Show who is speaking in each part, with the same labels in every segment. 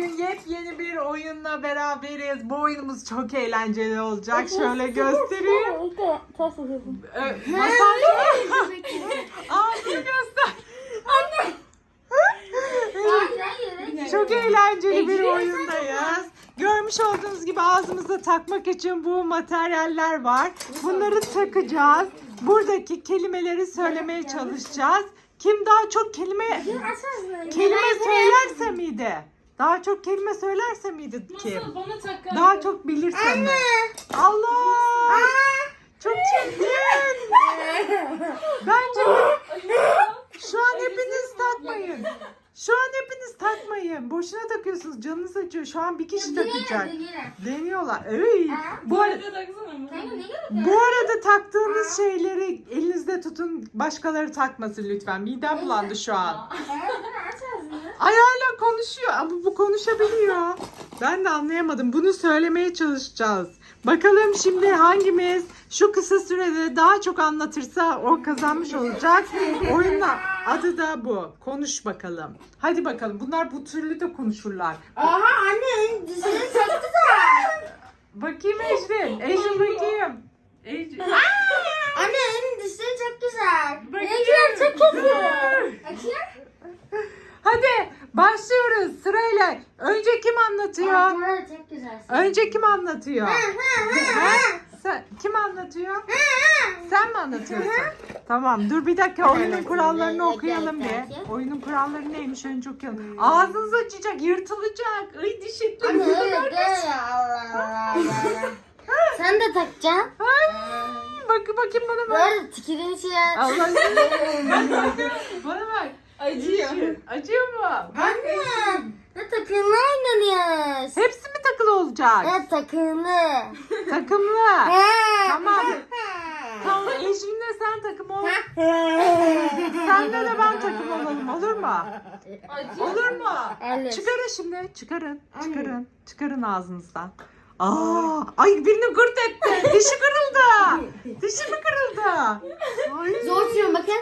Speaker 1: bugün yepyeni bir oyunla beraberiz. Bu oyunumuz çok eğlenceli olacak. Şöyle göstereyim. Masal ağzını göster.
Speaker 2: Anne.
Speaker 1: Çok eğlenceli bir oyundayız. Görmüş olduğunuz gibi ağzımıza takmak için bu materyaller var. Bunları takacağız. Buradaki kelimeleri söylemeye çalışacağız. Kim daha çok kelime söylerse miydi? Daha çok kelime söylerse miydi kim?
Speaker 2: Masal bana takar.
Speaker 1: Daha çok bilirse mi? Allah! Çok çirkin. Bence şu an hepiniz takmayın. Şu an hepiniz takmayın. Boşuna takıyorsunuz. Canınız acıyor. Şu an bir kişi takacak. Deniyorlar. Ey. Bu arada taktığınız şeyleri elinizde tutun. Başkaları takmasın lütfen. Midem bulandı şu an. Ay hala konuşuyor. Ama bu konuşabiliyor. Ben de anlayamadım. Bunu söylemeye çalışacağız. Bakalım şimdi hangimiz şu kısa sürede daha çok anlatırsa o kazanmış olacak. Oyunun adı da bu. Konuş bakalım. Hadi bakalım. Bunlar bu türlü de konuşurlar.
Speaker 3: Aha anne dişini çok güzel.
Speaker 1: Bakayım Ecrin. Ecrin bakayım. Ecrin.
Speaker 3: Anne elin dişleri çok güzel.
Speaker 1: Bakayım.
Speaker 3: Çok kötü. Bakayım.
Speaker 1: Hadi başlıyoruz sırayla. Önce kim anlatıyor?
Speaker 3: Bunlar çok güzel.
Speaker 1: Önce kim anlatıyor? Ha? Kim anlatıyor? Sen mi anlatıyorsun? Tamam dur bir dakika oyunun kurallarını okuyalım bir. Oyunun kuralları neymiş önce okuyalım. Ağzınız açacak, yırtılacak. Ay diş etleri.
Speaker 3: Anne öyle değil ya. Allah Allah. Sen de takacaksın.
Speaker 1: Ay, bakayım bana bak.
Speaker 3: Böyle tikirin şey.
Speaker 1: Allah bana bak.
Speaker 2: Acıyor.
Speaker 1: Acıyor mu?
Speaker 3: Anne. Ne takımlı oynanıyoruz.
Speaker 1: Hepsi mi takılı olacak?
Speaker 3: Evet takımlı.
Speaker 1: Takımlı.
Speaker 3: He.
Speaker 1: Tamam. Tamam Ecrin'le sen takım ol. Senle de ben takım olalım olur mu? Olur mu?
Speaker 3: Evet.
Speaker 1: Çıkarın şimdi. Çıkarın ağzınızdan. Ay birini gırt etti. Dişi kırıldı. Dişi mi kırıldı? Ay.
Speaker 3: Zor tutuyorum bakın.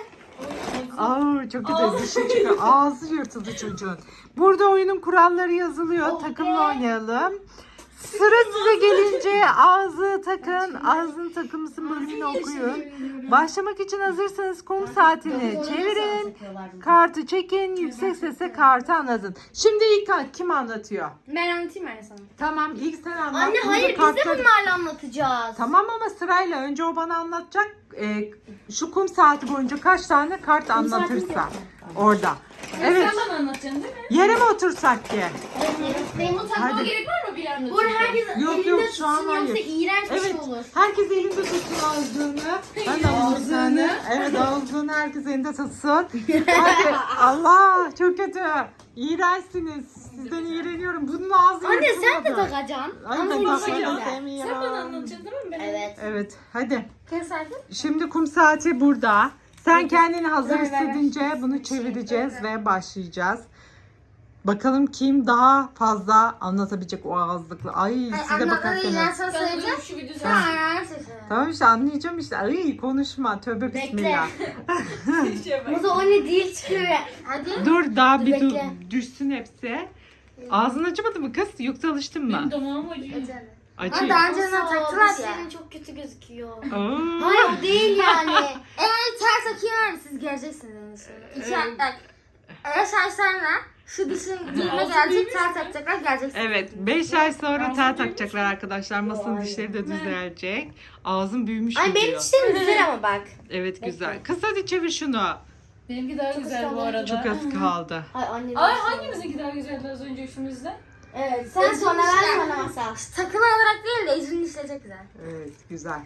Speaker 1: Çok kötü dişi çıkıyor. Ağzı yırtıldı çocuğun. Burada oyunun kuralları yazılıyor. Takımla oynayalım. Sıra size gelince ağzı takın. Ağzın takımısın bölümünü okuyun. Başlamak için hazırsanız kum saatini çevirin. Kartı çekin. Yüksek sesle kartı anlatın. Şimdi ilk kim anlatıyor?
Speaker 3: Ben anlatayım anne sana.
Speaker 1: Tamam ilk sen anlat.
Speaker 3: Anne
Speaker 1: Burada
Speaker 3: hayır biz de
Speaker 1: kartları-
Speaker 3: bunlarla anlatacağız.
Speaker 1: Tamam ama sırayla önce o bana anlatacak. Şu kum saati boyunca kaç tane kart anlatırsa orada. Evet.
Speaker 2: Sen bana anlatacaksın değil mi?
Speaker 1: Yere mi otursak ki?
Speaker 3: Benim
Speaker 2: Onu takmama
Speaker 1: Hadi.
Speaker 2: gerek var mı bir anlatacak?
Speaker 3: Bu herkes
Speaker 1: Yok,
Speaker 3: elinde
Speaker 1: yok, şu an
Speaker 3: tutsun yoksa
Speaker 1: hayır.
Speaker 3: iğrenç bir
Speaker 1: Evet.
Speaker 3: şey olur.
Speaker 1: Herkes elinde tutsun ağzını. Ben de alayım bir tane. Evet ağzını herkes elinde tutsun. Hadi. Allah çok kötü. İğrençsiniz. Sizden iğreniyorum. Bunun ağzı
Speaker 3: Anne sen de
Speaker 1: yırtılmadı.
Speaker 3: takacaksın.
Speaker 1: Ay,
Speaker 3: Ama
Speaker 1: ben
Speaker 3: senin
Speaker 1: takmak
Speaker 3: dişin güzel.
Speaker 1: istemiyorum.
Speaker 2: Sen bana anlatacaksın değil mi? Ben
Speaker 3: Evet.
Speaker 1: Evet hadi.
Speaker 3: Kes artık.
Speaker 1: Şimdi kum saati burada. Sen kendini hazır
Speaker 3: Ver, ver, ver.
Speaker 1: hissedince bunu çevireceğiz ve başlayacağız. Bakalım kim daha fazla anlatabilecek o ağızlıkla. Ay size
Speaker 3: Anne
Speaker 1: bakarken.
Speaker 3: ben sana
Speaker 2: Ben
Speaker 3: söyleyeceğim.
Speaker 2: bunu şu bir düzen.
Speaker 3: Sen ayağını seçelim.
Speaker 1: Tamam işte anlayacağım işte. Ay konuşma. Tövbe bismillah.
Speaker 2: Şey bak.
Speaker 3: Bu da o ne değil çıkıyor. Hadi.
Speaker 1: Dur daha
Speaker 3: Dur,
Speaker 1: bir
Speaker 3: bekle.
Speaker 1: düşsün hepsi. Ağzın acımadı mı kız? Yoksa alıştın mı?
Speaker 2: Benim damağım acıyor.
Speaker 3: Ama
Speaker 1: Acıyor.
Speaker 3: daha önceden taktılar ya.
Speaker 4: Senin çok kötü gözüküyor.
Speaker 1: Aa.
Speaker 3: Hayır o değil yani. Eğer ters takıyor siz göreceksiniz en son. İki bak. Eğer şaşlarla şu dişin dibine gelecek ters takacaklar göreceksiniz.
Speaker 1: Evet 5 ay sonra tel takacaklar arkadaşlar. Masanın dişleri de düzelecek. Ağzın büyümüş
Speaker 3: Ay benim
Speaker 1: gidiyor.
Speaker 3: dişlerim güzel ama bak.
Speaker 1: Evet güzel. Kız hadi çevir şunu.
Speaker 2: Benimki daha güzel bu arada.
Speaker 1: Çok az kaldı.
Speaker 3: Ay anne.
Speaker 2: Ay hangimizinki daha güzeldi az önce üçümüzde?
Speaker 3: Evet sen sonra ben sonra masal. Takım olarak değil de izin dişleri çok güzel.
Speaker 1: Evet güzel.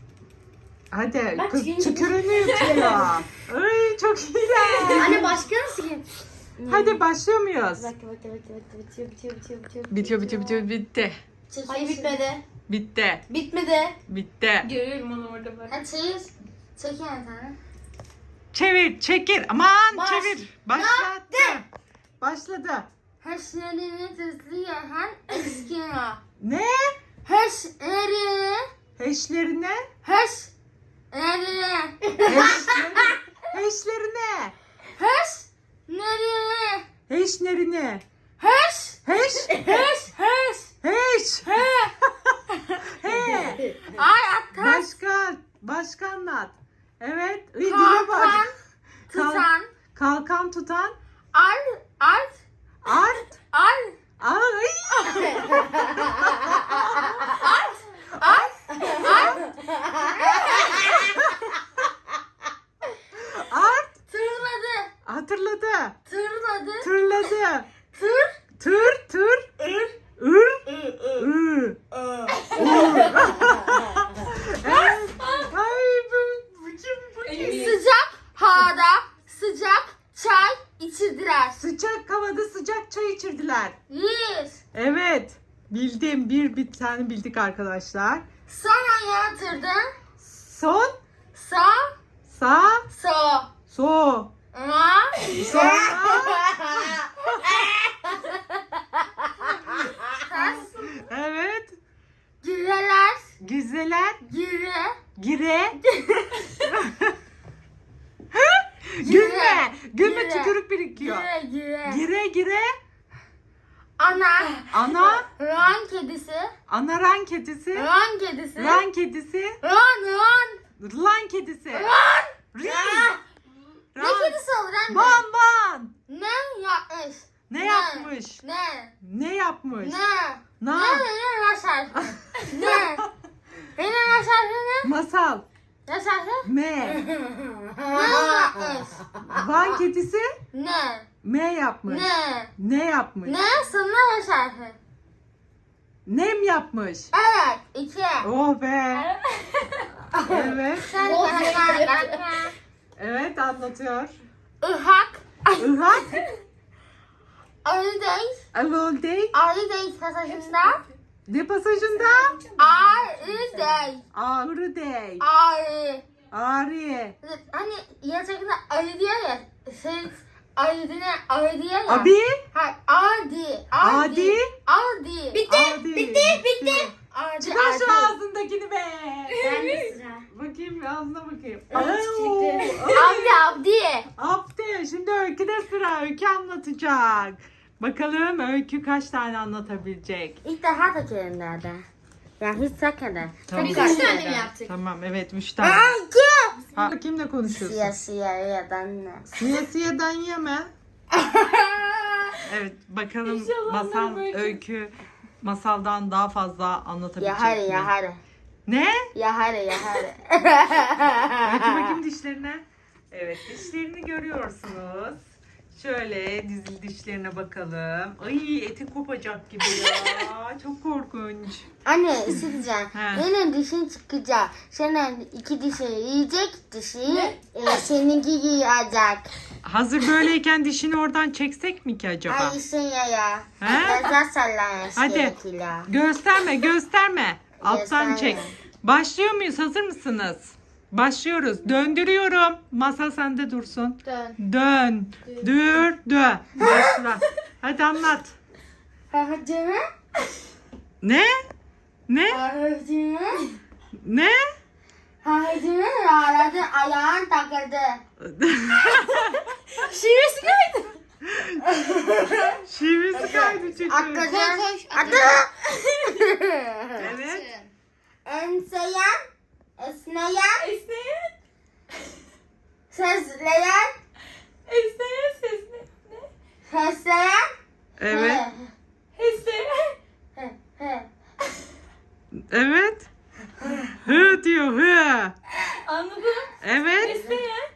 Speaker 1: Hadi
Speaker 3: Bak,
Speaker 1: kız
Speaker 3: şimdi-
Speaker 1: tükürüğünü yutuyor. Ay çok iyi.
Speaker 3: Anne başka nasıl ki?
Speaker 1: Hadi başlıyor muyuz?
Speaker 3: Bitiyor.
Speaker 1: Bitti.
Speaker 3: Hayır bitmedi.
Speaker 1: Bitti.
Speaker 3: Bitmedi.
Speaker 1: Bitti.
Speaker 2: Görüyorum onu orada bak.
Speaker 3: Hadi çevir. Çek yani tane.
Speaker 1: Çevir, çekil. Aman
Speaker 3: Baş-
Speaker 1: çevir. Başladı. Başladı.
Speaker 3: Heşlerini tızlayan eskiyor.
Speaker 1: Ne?
Speaker 3: Heşleri.
Speaker 1: Heşlerine?
Speaker 3: Heşleri.
Speaker 1: Heşlerine.
Speaker 3: Heşleri.
Speaker 1: Heşlerine.
Speaker 3: Heş.
Speaker 1: Heş.
Speaker 3: Heş.
Speaker 1: Heş. He.
Speaker 3: Ay atar.
Speaker 1: Başka anlat. Evet. Dile bak.
Speaker 3: Tutan.
Speaker 1: Kalkan tutan.
Speaker 3: Art.
Speaker 1: Art.
Speaker 3: Art.
Speaker 1: Ay. Art.
Speaker 3: Tırladı.
Speaker 1: Hatırladı.
Speaker 3: Tırladı.
Speaker 1: Tırladı.
Speaker 3: Tır.
Speaker 1: Tır. Ür. Evet. Ay bu kim?
Speaker 3: Sıcak havada sıcak çay içirdiler.
Speaker 1: Sıcak havada sıcak çay içirdiler.
Speaker 3: Yes.
Speaker 1: Evet. Bildim. Bir tane bildik arkadaşlar.
Speaker 3: Sonra yatırdı.
Speaker 1: Son.
Speaker 3: Sa.
Speaker 1: Sa.
Speaker 3: So.
Speaker 1: So.
Speaker 3: Ma.
Speaker 1: Sonra. Evet.
Speaker 3: Gireler.
Speaker 1: Güzeler.
Speaker 3: Gire.
Speaker 1: Gire. Gülme. Gülme
Speaker 3: Gire.
Speaker 1: tükürük birikiyor.
Speaker 3: Gire.
Speaker 1: Gire.
Speaker 3: Ana.
Speaker 1: Ana.
Speaker 3: Ran kedisi.
Speaker 1: Ana ran kedisi.
Speaker 3: Ran kedisi.
Speaker 1: Ran kedisi.
Speaker 3: Ran.
Speaker 1: Lan kedisi.
Speaker 3: Ran.
Speaker 1: Rin.
Speaker 3: Ne
Speaker 1: Ran.
Speaker 3: kedisi olur anne?
Speaker 1: Ban ban.
Speaker 3: Ne yapmış?
Speaker 1: Ne yapmış?
Speaker 3: Ne?
Speaker 1: Ne yapmış?
Speaker 3: Ne?
Speaker 1: Ne?
Speaker 3: Ne başar? Ne? Ne başar ne?
Speaker 1: Masal.
Speaker 3: Ne şarkı?
Speaker 1: Me.
Speaker 3: Ne yapmış?
Speaker 1: Van kedisi
Speaker 3: Ne?
Speaker 1: me yapmış.
Speaker 3: Ne?
Speaker 1: Ne yapmış?
Speaker 3: Ne? Sana ne şarkı?
Speaker 1: Nem yapmış.
Speaker 3: Evet. 2.
Speaker 1: Oh be. Evet.
Speaker 3: Sen
Speaker 1: Evet anlatıyor.
Speaker 3: Ihak.
Speaker 1: Irak.
Speaker 3: Arıdayız.
Speaker 1: Avaldey.
Speaker 3: Arıdayız pasajında.
Speaker 1: Ne pasajında?
Speaker 3: Arıdayız.
Speaker 1: Ağrıdey.
Speaker 3: Arı.
Speaker 1: Ağrı.
Speaker 3: Hani gerçekten arı diyor ya. Arı diyor ya.
Speaker 1: Abi.
Speaker 3: Hayır. Adi.
Speaker 1: Adi.
Speaker 3: Adi.
Speaker 1: Adi. Bitti.
Speaker 3: Adi.
Speaker 1: Çıkar şu ağzındakini be.
Speaker 3: Ben de sıra.
Speaker 1: Bakayım ağzına bakayım.
Speaker 3: Abdi.
Speaker 1: Abdi. Şimdi Öykü'de sıra. Öykü anlatacak. Bakalım Öykü kaç tane anlatabilecek.
Speaker 3: İlk defa takıyorum nerede? Ya hiç takmadım.
Speaker 1: Tamam.
Speaker 3: Biz
Speaker 1: Kaç
Speaker 3: üç tane mi yaptık?
Speaker 1: Tamam evet 3 tane. Ha, kimle konuşuyorsun?
Speaker 3: Siyah ya da ne?
Speaker 1: Siyasiyadan yeme. Evet bakalım
Speaker 2: İnşallah
Speaker 1: masal
Speaker 2: onlar böyle-
Speaker 1: Öykü masaldan daha fazla anlatabilecek
Speaker 3: Ya hadi
Speaker 1: mi?
Speaker 3: ya hadi.
Speaker 1: Ne?
Speaker 3: Ya hadi ya hadi.
Speaker 1: Öykü bakayım dişlerine. Evet dişlerini görüyorsunuz. Şöyle dişlerine bakalım. Ay eti kopacak gibi ya. Çok korkunç.
Speaker 3: Anne isteyeceğim.
Speaker 1: He.
Speaker 3: Benim dişin çıkacak. Senin 2 dişini yiyecek dişi. Seninki yiyecek.
Speaker 1: Hazır böyleyken dişini oradan çeksek mi ki acaba?
Speaker 3: Ay sen ya.
Speaker 1: He?
Speaker 3: Biraz sallan.
Speaker 1: Hadi. Gösterme. Alttan çek. Başlıyor muyuz? Hazır mısınız? Başlıyoruz. Döndürüyorum. Masa sende dursun.
Speaker 3: Dön.
Speaker 1: Dö. Başla. Hadi anlat.
Speaker 3: Hadi mi?
Speaker 1: Ne?
Speaker 3: Hadi mi?
Speaker 1: Ne?
Speaker 3: Hadi mi? Aradı ayağın takıldı.
Speaker 2: Şivesi kaydı.
Speaker 1: Şivesi kaydı çünkü.
Speaker 3: Atladın. Adı.
Speaker 1: Evet.
Speaker 3: Enseyen. Esneyen.
Speaker 2: Esneyen.
Speaker 3: Sesleyen.
Speaker 2: Esneyen sesne. Ne?
Speaker 3: Fesleyen.
Speaker 1: Evet.
Speaker 2: Esneyen.
Speaker 1: Evet. Hı diyor hı.
Speaker 2: Anladım.
Speaker 1: Evet.
Speaker 2: Esneyen.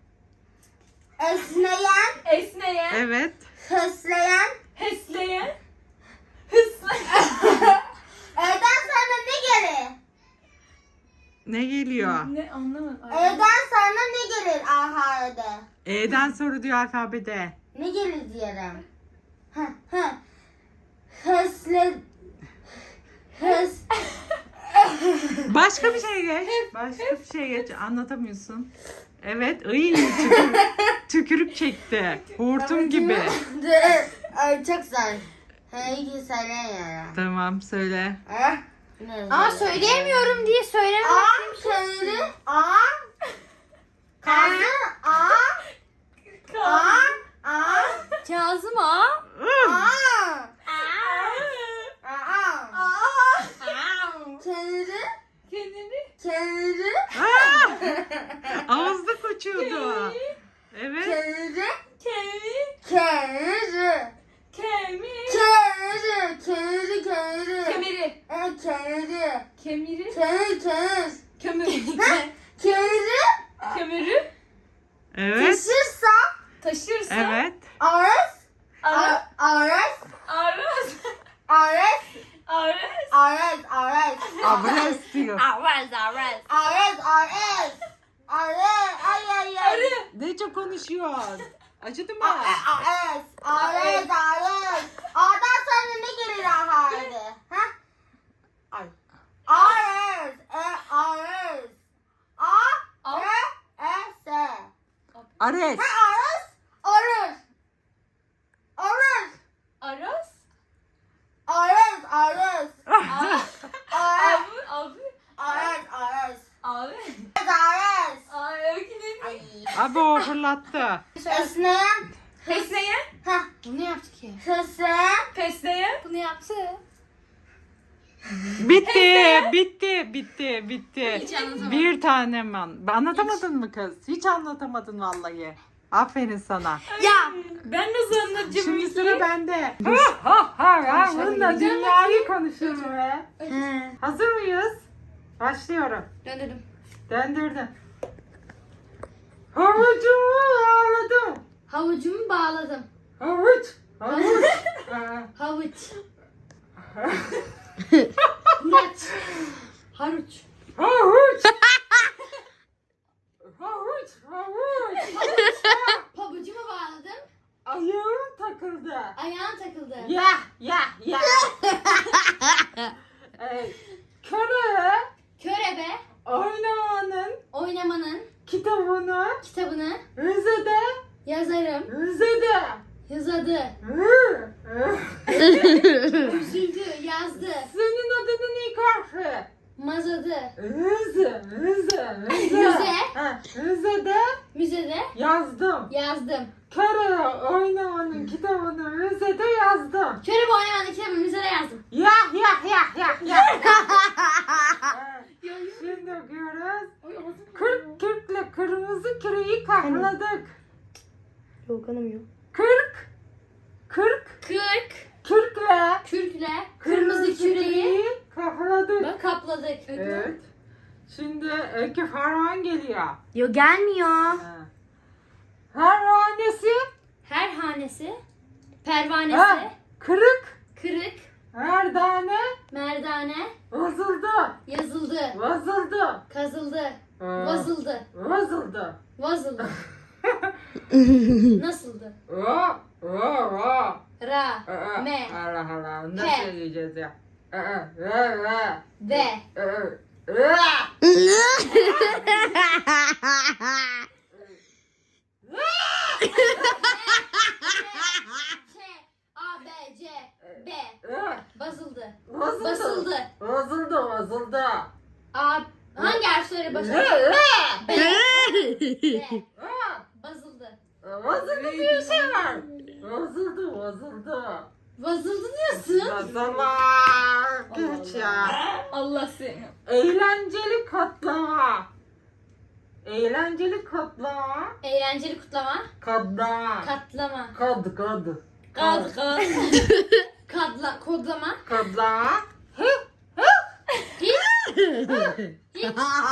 Speaker 3: Esneyen.
Speaker 2: Esneyen.
Speaker 1: Evet.
Speaker 3: Fesleyen.
Speaker 2: Hesleyen. Hısleyen.
Speaker 3: Evden sonra ne gelir?
Speaker 1: Ne geliyor?
Speaker 2: Ne anlamadım.
Speaker 3: Evden sonra ne gelir aharede?
Speaker 1: E'den sonra diyor alfabede.
Speaker 3: Ne gelir diyorum. Hesle.
Speaker 1: Başka bir şey geç. Başka bir şey geç. Anlatamıyorsun. Evet. Ay, tükürük çekti. Hortum gibi.
Speaker 3: Ay çok güzel. Hey söylemiyorum.
Speaker 1: Tamam söyle.
Speaker 3: Aa söyleyemiyorum diye söylemedim. Aa söyle. Aa. Kazı. Aa. Aa. Aa.
Speaker 2: Kazım ağa.
Speaker 3: Aa. Kenarı.
Speaker 2: Kemiri.
Speaker 3: Kenarı.
Speaker 2: Kömürü.
Speaker 3: Kenarı.
Speaker 2: Kömürü.
Speaker 1: Evet.
Speaker 3: Taşırsa.
Speaker 2: Taşırsa.
Speaker 1: Evet.
Speaker 3: Aras.
Speaker 2: Ara.
Speaker 3: Aras.
Speaker 2: Aras.
Speaker 3: Aras.
Speaker 2: Aras.
Speaker 3: Aras. Aras.
Speaker 1: Abres diyor.
Speaker 3: Aras. Aras. Aras. Aras. Ay ay ay.
Speaker 2: Arı.
Speaker 1: Ne çok konuşuyorsun? Acıdı mı?
Speaker 3: Aras. Aras. Aras. A'dan sonra ne gelir harfi? Ha? Ay. Aras. Aras. A. S.
Speaker 1: Ares.
Speaker 3: Aras. Aras. Aras.
Speaker 2: Aras.
Speaker 3: Aras. Aras.
Speaker 2: Aras.
Speaker 3: Aras.
Speaker 2: Abi.
Speaker 3: Aras. Aras.
Speaker 2: Abi.
Speaker 3: Aras.
Speaker 2: Ay öykü ne?
Speaker 3: Ay.
Speaker 1: Abi o fırlattı.
Speaker 3: Esneyen.
Speaker 2: Fesleyen.
Speaker 3: Hah. Bunu yaptık ya. Fesleyen.
Speaker 2: Fesleyen.
Speaker 3: Bunu yaptı.
Speaker 1: Bitti.
Speaker 3: Hiç anlatamadım.
Speaker 1: Bir tanem anlatamadın mı kız? Hiç anlatamadın vallahi. Aferin sana.
Speaker 3: Ya.
Speaker 2: Ben nasıl anlatacağım
Speaker 1: Şimdi
Speaker 2: öyküyü?
Speaker 1: sıra bende. Bununla dünyayı konuşurum be. Hazır mıyız? Başlıyorum.
Speaker 3: Döndürdüm.
Speaker 1: Döndürdüm. Havucumu ağladım.
Speaker 3: Havucumu bağladım.
Speaker 1: Havuç.
Speaker 3: Havuç. Huraç. Haruç.
Speaker 1: Havuç.
Speaker 3: Pabucumu bağladım.
Speaker 1: Ayağım takıldı.
Speaker 3: Ayağım takıldı.
Speaker 1: Ya.
Speaker 3: Körebe.
Speaker 1: Oynamanın
Speaker 3: Oynamanın
Speaker 1: kitabını
Speaker 3: kitabını
Speaker 1: Rize'de
Speaker 3: yazarım. Yazadı. Üzüldü. Yazdı.
Speaker 1: Senin adının ilk harfi.
Speaker 3: Mazadı.
Speaker 1: Rize. Ha, Rize'de
Speaker 3: Müzede
Speaker 1: yazdım.
Speaker 3: yazdım.
Speaker 1: Kere oynamanın kitabını Rize'de yazdım.
Speaker 3: Körebe oynamanın kitabını müzede yazdım.
Speaker 1: Ya. Şimdi okuyoruz. 40 kürkle kırmızı küreyi kahladık.
Speaker 3: Yok anlamıyor.
Speaker 1: 40
Speaker 3: 40
Speaker 1: kürkle
Speaker 3: kürkle kırmızı küreyi
Speaker 1: kahladık.
Speaker 3: kapladık.
Speaker 1: Evet. Şimdi Öykü Ferhan geliyor.
Speaker 3: Yok gelmiyor.
Speaker 1: Ha. Pervanesi.
Speaker 3: Her hanesi pervanesi
Speaker 1: Ha. Kırık.
Speaker 3: kırık
Speaker 1: Merdane.
Speaker 3: merdane
Speaker 1: Vazıldı.
Speaker 3: yazıldı. Kazıldı. Vazıldı.
Speaker 1: Vazıldı.
Speaker 3: Vazıldı. Nasıldı?
Speaker 1: Ra.
Speaker 3: Ra. Me.
Speaker 1: Allah Allah.
Speaker 3: He.
Speaker 1: Nasıl söyleyeceğiz ya? Ra.
Speaker 3: Ve.
Speaker 1: Ra.
Speaker 3: Ç. A. B. C. B. Basıldı.
Speaker 1: Basıldı. Vazıldı.
Speaker 3: A. Hangi harfleri başa? B. B. Basıldı.
Speaker 1: Vazıldı diye bir şey var. Vazıldı.
Speaker 3: Vazıldı diyorsun.
Speaker 1: Vazılar. Geç ya.
Speaker 2: Allah seni.
Speaker 1: Eğlenceli katlama.
Speaker 3: Eğlenceli kutlama.
Speaker 1: Katlama.
Speaker 3: Katlama.
Speaker 1: Kad.
Speaker 2: Kaz.
Speaker 3: Kodlama.
Speaker 1: Katlama.
Speaker 3: Hiç. Hiç.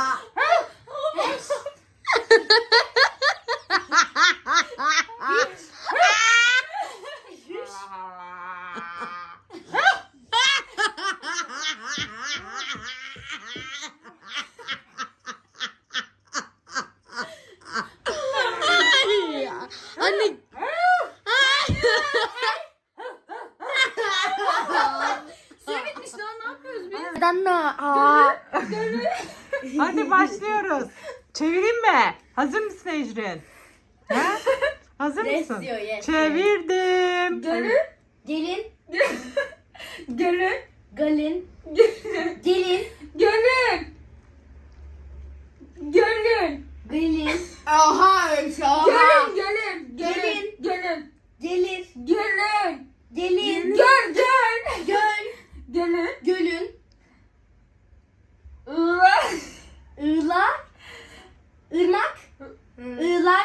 Speaker 1: Anne.
Speaker 2: Süre bitmiş lan ne yapıyoruz biz?
Speaker 1: Hadi başlıyoruz. Çevireyim mi? Hazır mısın Ecrin? Ha? Hazır
Speaker 3: Yes
Speaker 1: mısın?
Speaker 3: diyor, yes
Speaker 1: Çevirdim.
Speaker 2: Gölü.
Speaker 3: Gelin.
Speaker 2: Gölü.
Speaker 3: Galin. Gelin.
Speaker 2: Gölün. Gölün.
Speaker 3: Galin. Oha.
Speaker 2: Gölün.
Speaker 3: Gelin.
Speaker 2: Gölün.
Speaker 3: Gelir.
Speaker 2: Gölün.
Speaker 3: Gelin.
Speaker 2: Göl.
Speaker 3: Göl.
Speaker 2: Gölün.
Speaker 3: Gölün.
Speaker 2: Irak.
Speaker 3: Iğlak. Irmak. Iğlak.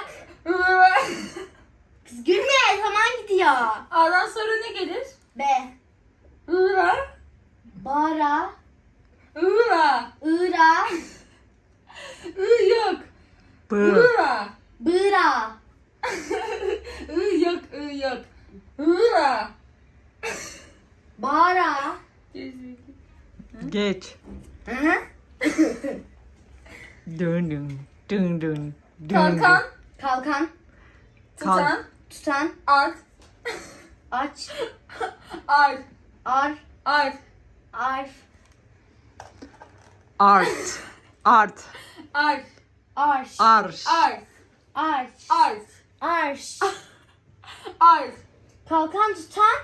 Speaker 3: Kız gülme. Zaman gidiyor.
Speaker 2: A'dan sonra ne gelir?
Speaker 3: B.
Speaker 2: Irak.
Speaker 3: Bara.
Speaker 2: Iğra.
Speaker 3: Iğra.
Speaker 2: Iyık.
Speaker 1: B.
Speaker 2: Iğra.
Speaker 3: Bıra.
Speaker 2: Iyık. Iyık. Iğra.
Speaker 3: Bara.
Speaker 1: Geç.
Speaker 3: Hı hı.
Speaker 1: Dün dün. Dün dün. Dün.
Speaker 2: Kalkan.
Speaker 3: Kalkan.
Speaker 2: Tutan.
Speaker 3: Tutan.
Speaker 2: Art.
Speaker 3: Aç.
Speaker 2: Art.
Speaker 3: Ar.
Speaker 2: Art.
Speaker 3: Arf.
Speaker 1: Art. Art.
Speaker 2: Art.
Speaker 3: Arş.
Speaker 1: Arş.
Speaker 2: Art.
Speaker 3: Arş.
Speaker 2: Art.
Speaker 3: Arş.
Speaker 2: Art.
Speaker 3: Kalkan tutan.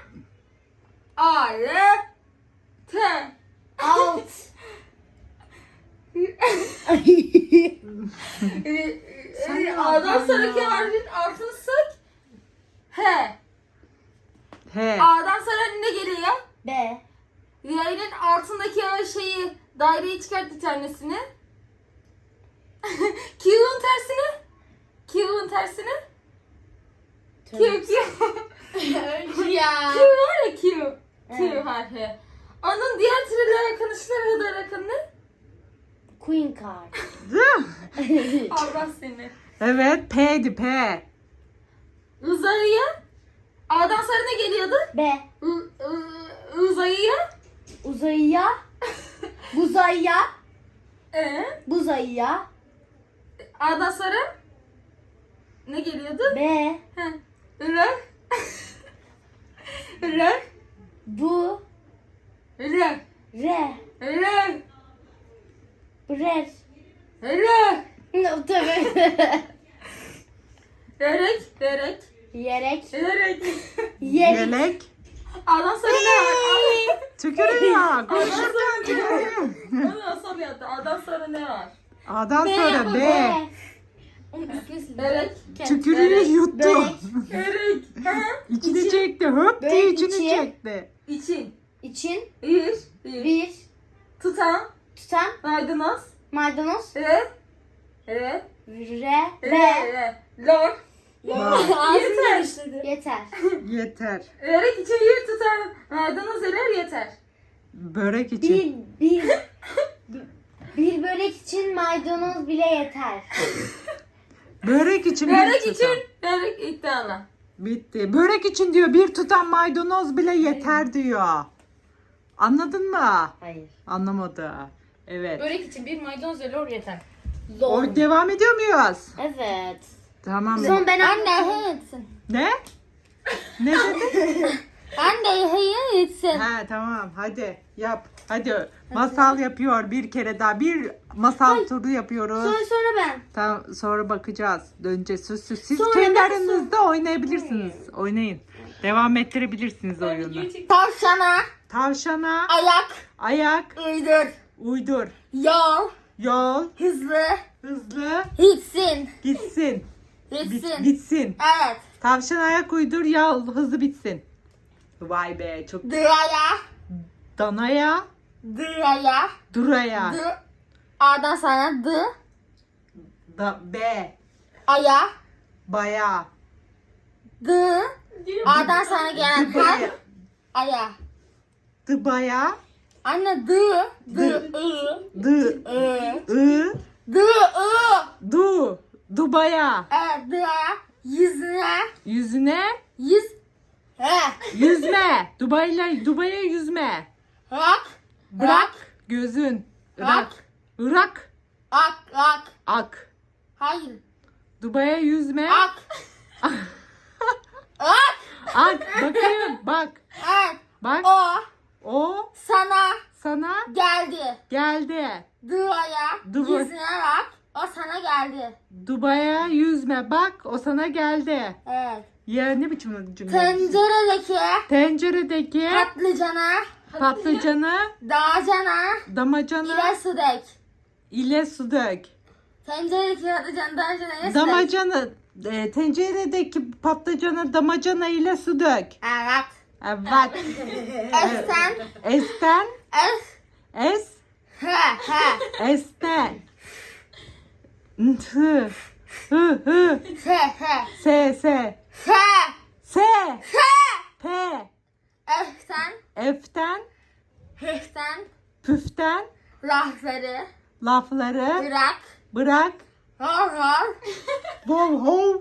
Speaker 2: Art. T.
Speaker 3: Alt.
Speaker 2: A'dan sonraki harfin altını sık. H.
Speaker 1: H.
Speaker 2: A'dan sonra ne geliyor?
Speaker 3: B.
Speaker 2: Y'nin altındaki o şeyi, daireyi çıkart bir tanesini. Q'un tersini. Q'un tersini. Q, Q.
Speaker 3: Ya.
Speaker 2: Q var ya Q. Q
Speaker 3: Evet.
Speaker 2: harfi. Onun diğer türlü arkadaşlar da rakam ne?
Speaker 3: Queen card.
Speaker 2: Allah seni.
Speaker 1: Evet. P'di P.
Speaker 2: Uzayıya. A'dan sonra ne geliyordu?
Speaker 3: B.
Speaker 2: Uzayıya.
Speaker 3: Uzayıya. Buzayıya. Buzayıya.
Speaker 2: A'dan sonra ne geliyordu?
Speaker 3: B.
Speaker 2: Heh. R. R.
Speaker 3: Bu.
Speaker 2: R.
Speaker 3: Re.
Speaker 2: R.
Speaker 3: Brer.
Speaker 2: R.
Speaker 3: Tabii.
Speaker 2: Derek. Derek.
Speaker 3: Yerek.
Speaker 2: Derek.
Speaker 3: Yerek.
Speaker 1: Yelek.
Speaker 2: A'dan sonra ne var?
Speaker 1: Tükürüyor. Konuşurken tükürüyor.
Speaker 2: Onu nasıl yaptı? A'dan sonra ne var?
Speaker 1: A'dan sonra B.
Speaker 2: Derek.
Speaker 1: Tükürüğü yuttu.
Speaker 3: Börek.
Speaker 2: Derek. Ha?
Speaker 1: İçini çekti. Höp diye
Speaker 3: Börek
Speaker 1: içini
Speaker 3: içi.
Speaker 1: çekti.
Speaker 2: İçin.
Speaker 3: İçin.
Speaker 2: Bir.
Speaker 3: Bir.
Speaker 2: Tutan.
Speaker 3: Tutan.
Speaker 2: Maydanoz.
Speaker 3: Maydanoz.
Speaker 2: Re. Re.
Speaker 3: Re.
Speaker 2: Re.
Speaker 3: Ve.
Speaker 2: Re. Lor.
Speaker 3: Yeter. Yeter.
Speaker 1: Yeter.
Speaker 2: Derek için bir tutan maydanoz erer yeter.
Speaker 1: Börek için.
Speaker 3: Bir börek için maydanoz bile yeter.
Speaker 1: Börek için bir
Speaker 2: Derek
Speaker 1: tutam.
Speaker 2: için. Derek iddialı.
Speaker 1: Bitti. Börek için diyor bir tutam maydanoz bile yeter diyor. Anladın mı?
Speaker 3: Hayır.
Speaker 1: Anlamadı. Evet.
Speaker 2: Börek için bir maydanoz ve lor yeter.
Speaker 1: O devam ediyor muyuz?
Speaker 3: Evet.
Speaker 1: Tamam.
Speaker 3: Son ben anne etsin.
Speaker 1: Ne? Ne dedin?
Speaker 3: Anne hayır etsin.
Speaker 1: Ha tamam hadi yap. Hadi masal yapıyor bir kere daha. Bir masal turu yapıyoruz.
Speaker 3: Sonra ben.
Speaker 1: Tamam sonra bakacağız. Döneceğiz. Siz
Speaker 3: Sonra
Speaker 1: kendi
Speaker 3: ben
Speaker 1: aranızda oynayabilirsiniz. Oynayın. Devam ettirebilirsiniz oyunu.
Speaker 3: Tavşana.
Speaker 1: Tavşana
Speaker 3: Ayak.
Speaker 1: ayak
Speaker 3: Uydur.
Speaker 1: uydur.
Speaker 3: Yol.
Speaker 1: Yol
Speaker 3: Hızlı.
Speaker 1: hızlı
Speaker 3: Gitsin.
Speaker 1: gitsin.
Speaker 3: Gitsin.
Speaker 1: Bitsin.
Speaker 3: Evet.
Speaker 1: Tavşan ayak uydur yol hızlı bitsin. Vay be çok
Speaker 3: Dıraya.
Speaker 1: danaya
Speaker 3: Dıraya.
Speaker 1: duraya
Speaker 3: Dı. A'dan sonra dı.
Speaker 1: da be
Speaker 3: Aya.
Speaker 1: baya
Speaker 3: Dı. A'dan sonra gelen harf.
Speaker 1: dıbaya
Speaker 3: Aya.
Speaker 1: dıbaya
Speaker 3: Anne dı. Dı. I.
Speaker 1: dı
Speaker 3: I.
Speaker 1: ı
Speaker 3: Dı. I.
Speaker 1: du dubaya
Speaker 3: Evet. Dıraya. Yüzüne.
Speaker 1: yüzüne
Speaker 3: Yüz. He.
Speaker 1: yüzme Dubaya yüzme
Speaker 3: Rak.
Speaker 1: bırak gözün
Speaker 3: Rak.
Speaker 1: Irak
Speaker 3: Ak. Ak.
Speaker 1: ak
Speaker 3: Hayır.
Speaker 1: Dubaya yüzme
Speaker 3: Ak. Ak.
Speaker 1: ak bakayım bak
Speaker 3: Evet.
Speaker 1: bak
Speaker 3: O
Speaker 1: o
Speaker 3: sana
Speaker 1: sana
Speaker 3: geldi.
Speaker 1: geldi
Speaker 3: Dıraya.
Speaker 1: Dı-
Speaker 3: Yüzüne bak. O sana geldi.
Speaker 1: Dubaya yüzme bak o sana geldi.
Speaker 3: Evet.
Speaker 1: Ya ne biçim cümle?
Speaker 3: Tenceredeki
Speaker 1: Tenceredeki
Speaker 3: patlıcana,
Speaker 1: patlıcanı
Speaker 3: dağcana,
Speaker 1: damacana
Speaker 3: ile su dök.
Speaker 1: ile su dök.
Speaker 3: Tenceredeki patlıcanı dağcana ile su dök.
Speaker 1: Damacana tenceredeki patlıcanı damacana ile su dök.
Speaker 3: Evet.
Speaker 1: Evet.
Speaker 3: Esten.
Speaker 1: Esten
Speaker 3: Es. He.
Speaker 1: esten hı hı
Speaker 3: He.
Speaker 1: se
Speaker 3: He.
Speaker 1: se
Speaker 3: He.
Speaker 1: p
Speaker 3: Esten.
Speaker 1: eften
Speaker 3: Hıhten.
Speaker 1: püften
Speaker 3: lafları
Speaker 1: Lafları
Speaker 3: bırak.
Speaker 1: bırak.
Speaker 3: Hor hor.
Speaker 1: Bol hol.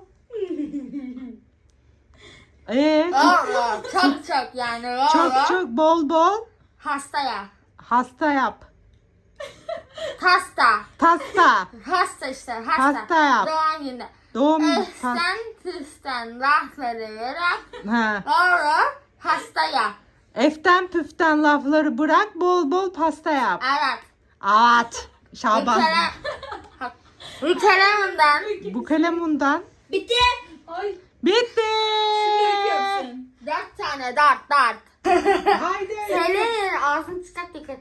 Speaker 3: Hor hor. Çok çok yani. Hor
Speaker 1: Çok
Speaker 3: hor.
Speaker 1: çok bol bol
Speaker 3: Hastaya.
Speaker 1: hasta yap.
Speaker 3: Hasta.
Speaker 1: Pasta.
Speaker 3: Hasta işte. Hasta.
Speaker 1: Hasta yap.
Speaker 3: Doğum günü.
Speaker 1: Doğum
Speaker 3: Esten tüsten lafları bırak.
Speaker 1: Ha.
Speaker 3: Hor hor. Hastaya.
Speaker 1: Eften püften lafları bırak, bol bol pasta yap.
Speaker 3: Evet.
Speaker 1: At. Şaban.
Speaker 3: Ülkelerimden.
Speaker 1: Bu kalemundan.
Speaker 3: Bitti.
Speaker 2: Ay.
Speaker 1: Bitti.
Speaker 2: Yapsın.
Speaker 3: 4 tane dart.
Speaker 1: Haydi.
Speaker 3: Söyleyin ağzını çıkart dikkat.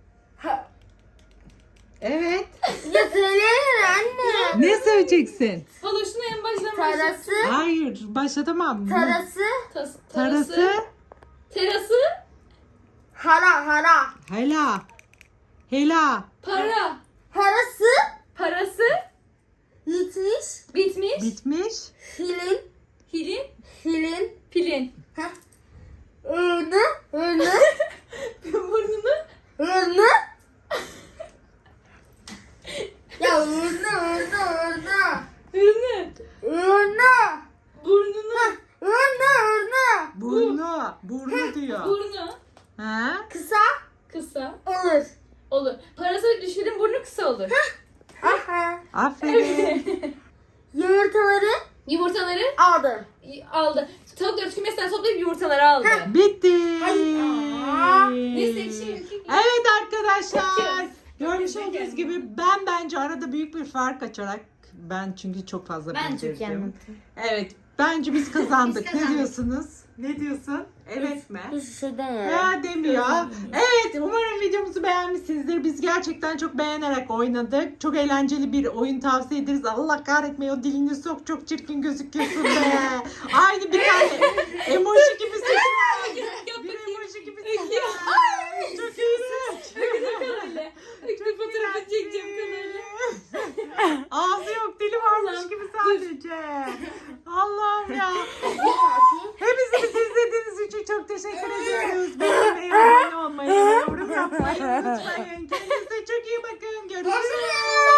Speaker 1: Evet.
Speaker 3: Ya söyleyin anne.
Speaker 1: Ne söyleyeceksin?
Speaker 2: Hala şunu en baştan
Speaker 3: Tarası.
Speaker 1: Hayır, başlatamam.
Speaker 3: Tarası.
Speaker 1: Tarası.
Speaker 2: Terası.
Speaker 3: Hara.
Speaker 1: Hela. Hela.
Speaker 2: Para.
Speaker 3: Parası.
Speaker 2: Parası.
Speaker 3: Yitmiş.
Speaker 2: Bitmiş.
Speaker 1: Bitmiş.
Speaker 3: Hilin.
Speaker 2: Hilin. Pilin.
Speaker 3: Ürünü.
Speaker 2: Burnunu.
Speaker 3: Ürünü. Ya ürünü.
Speaker 2: Ürünü. Burnunu.
Speaker 1: Burnu. Burnu diyor.
Speaker 2: Burnu.
Speaker 1: Ha?
Speaker 3: Kısa.
Speaker 2: Kısa.
Speaker 3: Olur.
Speaker 2: Olur. Parası düşürün burnu kısa olur.
Speaker 3: Aha.
Speaker 1: Aferin.
Speaker 3: Yumurtaları
Speaker 2: Yumurtaları
Speaker 3: aldı.
Speaker 2: aldı. Tavukları kümesinden toplayıp yumurtaları aldı.
Speaker 1: Bitti.
Speaker 2: Neyse ekşi.
Speaker 1: Evet arkadaşlar. Görmüş olduğunuz gibi ben bence arada büyük bir fark açarak çünkü çok fazla
Speaker 3: Ben çok iyi
Speaker 1: bildirdim.
Speaker 3: anlattım.
Speaker 1: Evet. Bence biz kazandık.
Speaker 3: Biz
Speaker 1: Ne
Speaker 3: kazandık.
Speaker 1: diyorsunuz? Ne diyorsun? Evet mi?
Speaker 3: Hiçbir şey demiyorum.
Speaker 1: Ya demiyor. Evet, umarım videomuzu beğenmişsinizdir. Biz gerçekten çok beğenerek oynadık. Çok eğlenceli bir oyun tavsiye ederiz. Allah kahretmeyin, o dilini sok, çok çirkin gözüküyorsun be. Aynı bir tane emoji gibisin. Bir emoji gibisin. Çok iyisin.
Speaker 2: Kamerayla. Bir fotoğrafı çekeceğim kamerayla.
Speaker 1: Ağzı yok, dili varmış gibi sadece. Allah'ım ya. Hepinizi izlediğiniz için çok teşekkür ediyoruz. Beğenmeyi, abone olmayı, yorum yapmayı unutmayın. Kendinize çok iyi bakın. Görüşürüz.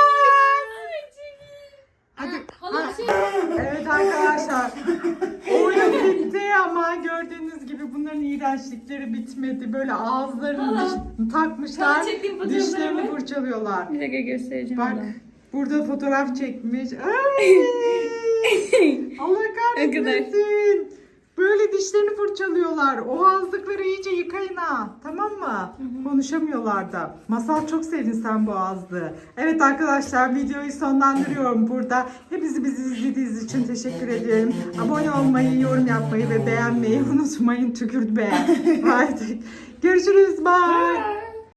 Speaker 1: Hadi.
Speaker 2: Hala bir şey.
Speaker 1: Evet arkadaşlar. Oyun bitti ama gördüğünüz gibi bunların iğrençlikleri bitmedi. Böyle ağızlarını takmışlar.
Speaker 2: Hala çektiğim fotoğrafları
Speaker 1: Dişlerini
Speaker 2: mı?
Speaker 1: fırçalıyorlar.
Speaker 2: Bir dakika göstereceğim.
Speaker 1: Bak burada fotoğraf çekmiş. Ay! Allah kahretmesin. Böyle dişlerini fırçalıyorlar. O ağızlıkları iyice yıkayın ha. Tamam mı? Konuşamıyorlar da. Masal, çok sevdin sen bu ağızlığı. Evet arkadaşlar, videoyu sonlandırıyorum burada. Hepinizi bizi izlediğiniz için teşekkür ediyorum. Abone olmayı, yorum yapmayı ve beğenmeyi unutmayın. Tükürt be. Haydi. Görüşürüz. Bye.